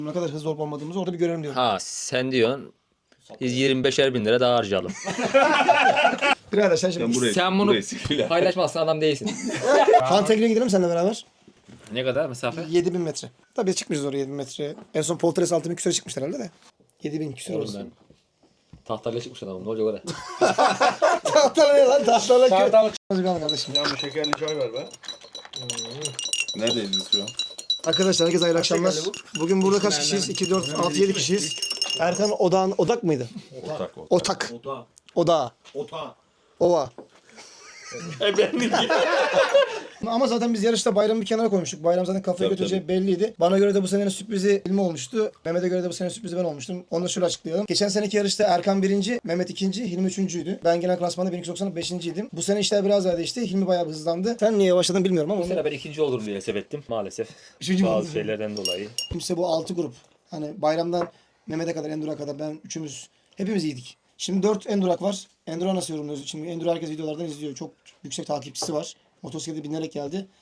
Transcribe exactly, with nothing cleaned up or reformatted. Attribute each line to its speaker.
Speaker 1: Ne kadar hızlı olup olmadığımızı orada bir görelim diyorum.
Speaker 2: Ha sen diyorsun biz yirmi beşer bin lira daha harcayalım.
Speaker 1: Birader sen şimdi
Speaker 3: Ben burayı,
Speaker 2: Sen bunu
Speaker 3: burayı sikeyim.
Speaker 2: paylaşmazsan adam değilsin.
Speaker 1: Fantegri'ye gidelim seninle beraber.
Speaker 2: Ne kadar mesafe?
Speaker 1: yedi bin metre. Tabii biz çıkmayacağız oraya yedi bin metre. En son Poltres altı bin küsüre çıkmışlar herhalde de. yedi bin küsür
Speaker 2: Oğlum
Speaker 1: orası.
Speaker 2: ben tahtayla çıkmış adamım ne olacak orada?
Speaker 1: Tahtalı ne lan tahtalı kö.
Speaker 2: Tahtalı
Speaker 1: Azıcık al kardeşim.
Speaker 4: Yağmur şekerli çay ver be.
Speaker 3: Neredeyiz biz şu an?
Speaker 1: Arkadaşlar herkese hayırlı akşamlar. Bugün burada kaç kişiyiz? iki, dört, altı, yedi kişiyiz. Erkan Odağ'ın, Odak mıydı?
Speaker 3: Otak otak.
Speaker 1: Otak.
Speaker 4: Ota.
Speaker 1: Odağı.
Speaker 4: Ota.
Speaker 1: Ova.
Speaker 2: E benlik.
Speaker 1: Ama zaten biz yarışta bayramı bir kenara koymuştuk. Bayram zaten kafaya
Speaker 3: Tabii,
Speaker 1: götüreceği belliydi. Bana göre de bu senenin sürprizi Hilmi olmuştu. Mehmet'e göre de bu senenin sürprizi ben olmuştum. Onu da şöyle açıklayalım. Geçen seneki yarışta Erkan birinci, Mehmet ikinci, Hilmi üçüncüydü. Ben genel klasmanda bin iki yüz doksan beşinciydim. Bu sene işler biraz daha değişti. Hilmi bayağı bir hızlandı. Sen niye yavaşladın bilmiyorum ama.
Speaker 2: Bu
Speaker 1: onu...
Speaker 2: sene ben ikinci olurum diye sebettim maalesef.
Speaker 1: Üçüncü mü
Speaker 2: Bazı
Speaker 1: oldun?
Speaker 2: şeylerden dolayı.
Speaker 1: Kimse bu altı grup. Hani bayramdan Mehmet'e kadar, Endur'a kadar ben üçümüz hepimiz iyiydik. Şimdi dört Endurak var. Endura nasıl yorumluyoruz? Şimdi Endura herkes videolardan izliyor. Çok yüksek takipçisi var. Motosiklete binerek geldi.